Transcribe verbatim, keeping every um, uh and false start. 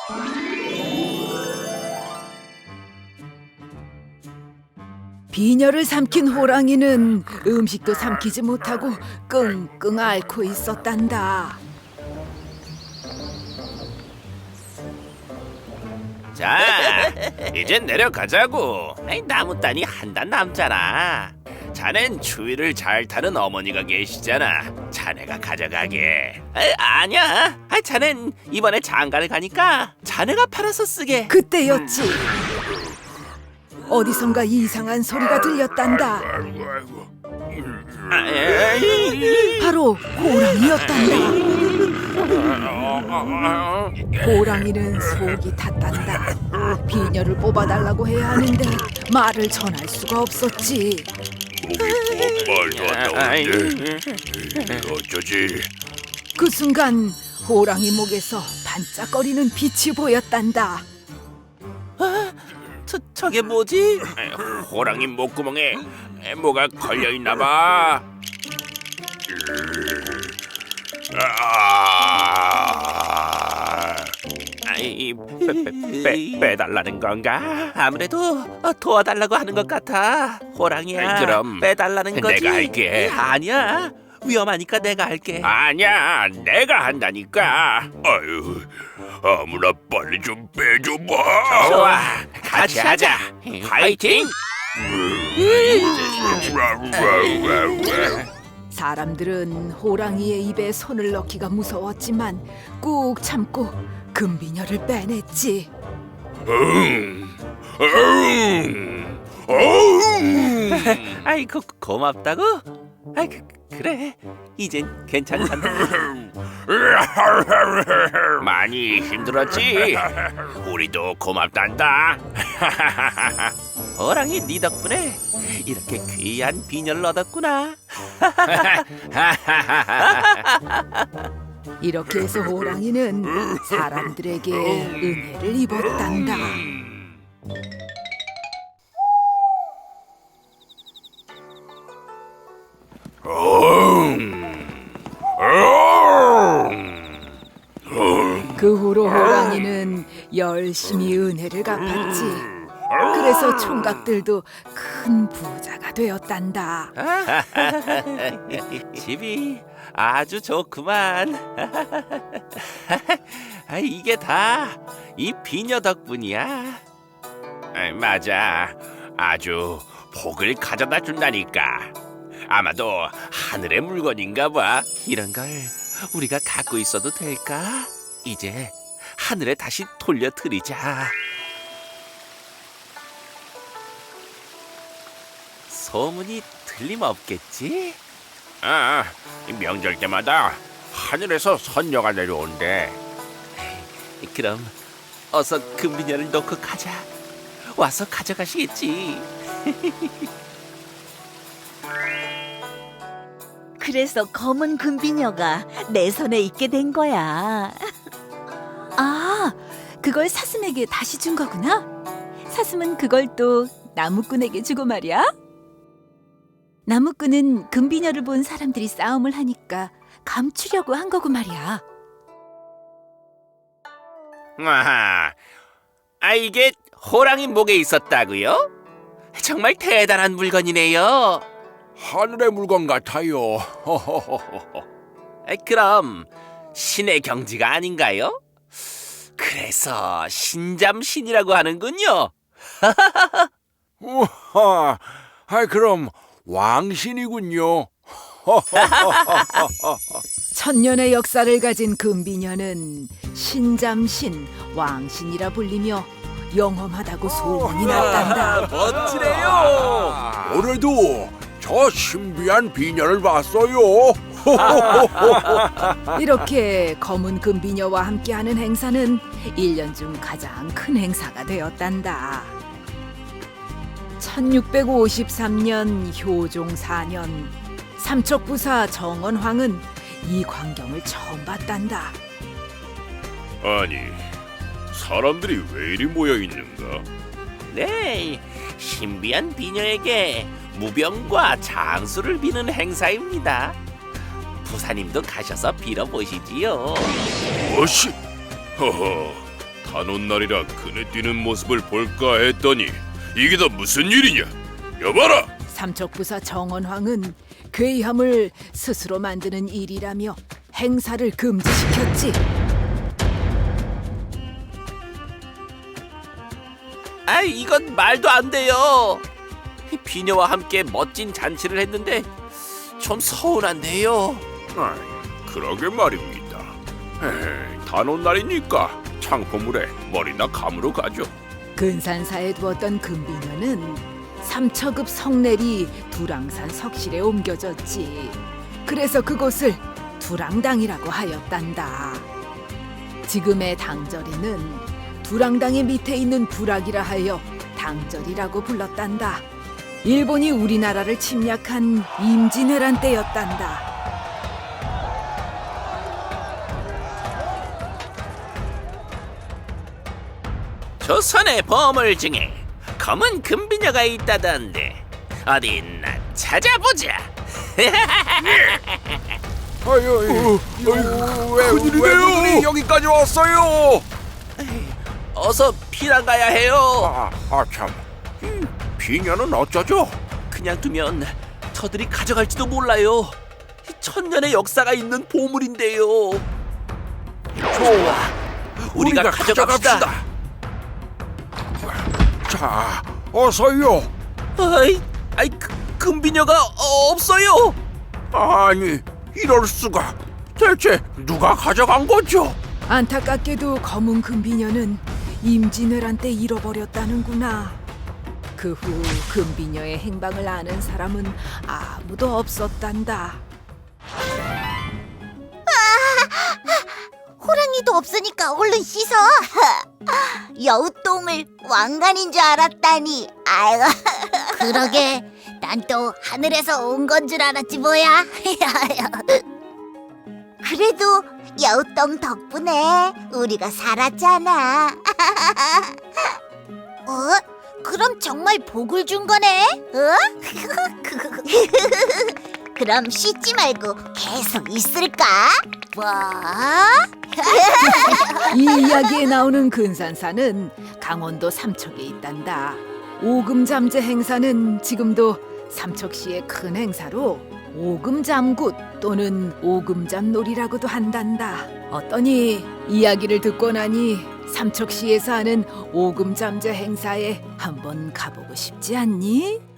비녀를 삼킨 호랑이는 음식도 삼키지 못하고 끙끙 앓고 있었단다. 자, 이젠 내려가자고. 아이, 나무 단이 한 단 남잖아. 자넨 추위를 잘 타는 어머니가 계시잖아. 자네가 가져가게. 아, 아니야. 아, 자넨 이번에 장가를 가니까 자네가 팔아서 쓰게. 그때였지. 어디선가 이상한 소리가 들렸단다. 아, 에이. 바로 호랑이였단다. 호랑이는 속이 탔단다. 비녀를 뽑아달라고 해야 하는데 말을 전할 수가 없었지. 목이 뭐 말도 안 나오는데 어쩌지? 그 순간 호랑이 목에서 반짝거리는 빛이 보였단다. 저, 저게 뭐지? 호랑이 목구멍에 뭐가 걸려 있나 봐. 아, 아이, 빼, 빼, 빼, 빼달라는 건가? 아무래도 어, 도와달라고 하는 것 같아. 호랑이야. 아이, 그럼 빼달라는 거지. 내가 할게. 아니야. 위험하니까 내가 할게. 아니야, 내가 한다니까. 아유, 아무나 빨리 좀 빼줘봐. 좋아, 같이 하자. 파이팅! 사람들은 호랑이의 입에 손을 넣기가 무서웠지만 꾹 참고 금비녀를 빼냈지. 음, 음, 음. 아이, 고, 고맙다고? 아이, 그, 그래. 이젠 괜찮단다. 많이 힘들었지? 우리도 고맙단다. 호랑이 네 덕분에 이렇게 귀한 비녀를 얻었구나. 이렇게 해서 호랑이는 사람들에게 은혜를 입었단다. 그 후로 호랑이는 열심히 은혜를 갚았지. 그래서 총각들도 큰 부자가 되었단다. 집이 아주 좋구만. 아, 이게 다 이 비녀 덕분이야. 에이, 맞아. 아주 복을 가져다 준다니까. 아마도 하늘의 물건인가 봐. 이런 걸 우리가 갖고 있어도 될까? 이제 하늘에 다시 돌려드리자. 소문이 틀림없겠지? 아, 이 명절 때마다 하늘에서 선녀가 내려온대. 그럼 어서 금비녀를 놓고 가자. 와서 가져가시겠지. 그래서 검은 금비녀가 내 손에 있게 된 거야. 아, 그걸 사슴에게 다시 준 거구나. 사슴은 그걸 또 나무꾼에게 주고 말이야. 나무꾼은 금비녀를 본 사람들이 싸움을 하니까 감추려고 한 거고 말이야. 아하, 아 이게 호랑이 목에 있었다고요? 정말 대단한 물건이네요. 하늘의 물건 같아요. 아, 그럼 신의 경지가 아닌가요? 그래서 신잠신이라고 하는군요. 우와, 아, 그럼 왕신이군요. 천년의 역사를 가진 금비녀는 신잠신, 왕신이라 불리며 영험하다고 소문이 났단다. 멋지네요. 올해도 저 신비한 비녀를 봤어요. 이렇게 검은 금비녀와 함께하는 행사는 일 년 중 가장 큰 행사가 되었단다. 천육백오십삼 년 효종 사 년 삼척부사 정원황은 이 광경을 처음 봤단다. 아니, 사람들이 왜 이리 모여 있는가? 네, 신비한 비녀에게 무병과 장수를 비는 행사입니다. 부사님도 가셔서 빌어보시지요. 무엇이? 허허, 단오날이라 그네 뛰는 모습을 볼까 했더니 이게 다 무슨 일이냐? 여봐라! 삼척부사 정원황은 괴함을 스스로 만드는 일이라며 행사를 금지시켰지. 아, 이건 말도 안 돼요. 이 비녀와 함께 멋진 잔치를 했는데 좀 서운한데요. 아이, 그러게 말입니다. 에이, 단오날이니까 창포물에 머리나 감으러 가죠. 근산사에 두었던 금비녀는 삼척읍 성내리 두랑산 석실에 옮겨졌지. 그래서 그곳을 두랑당이라고 하였단다. 지금의 당절이는 두랑당의 밑에 있는 부락이라 하여 당절이라고 불렀단다. 일본이 우리나라를 침략한 임진왜란 때였단다. 조선의 보물 중에 검은 금비녀가 있다던데 어디 있나 찾아보자. 아유, 왜, 큰일이네요. 여기까지 왔어요. 어서 피난 가야 해요. 아, 아 참. 이 비녀는 어쩌죠? 그냥 두면 저들이 가져갈지도 몰라요. 이 천년의 역사가 있는 보물인데요. 좋아, 우리가, 우리가 가져갑시다. 가져갑시다. 자, 어서요. 아이, 아이, 그, 금비녀가 어, 없어요. 아니, 이럴 수가. 대체 누가 가져간 거죠? 안타깝게도 검은 금비녀는 임진왜란 때 잃어버렸다는구나. 그 후 금비녀의 행방을 아는 사람은 아무도 없었단다. 호랑이도 없으니까 얼른 씻어. 여우똥을 왕관인 줄 알았다니. 아이고. 그러게. 난 또 하늘에서 온 건 줄 알았지 뭐야. 그래도 여우똥 덕분에 우리가 살았잖아. 어? 그럼 정말 복을 준 거네? 어? 그럼 씻지 말고 계속 있을까? 뭐? 이 이야기에 나오는 근산사는 강원도 삼척에 있단다. 오금잠재 행사는 지금도 삼척시의 큰 행사로 오금잠굿 또는 오금잠놀이라고도 한단다. 어떠니? 이야기를 듣고 나니 삼척시에서 하는 오금잠재 행사에 한번 가보고 싶지 않니?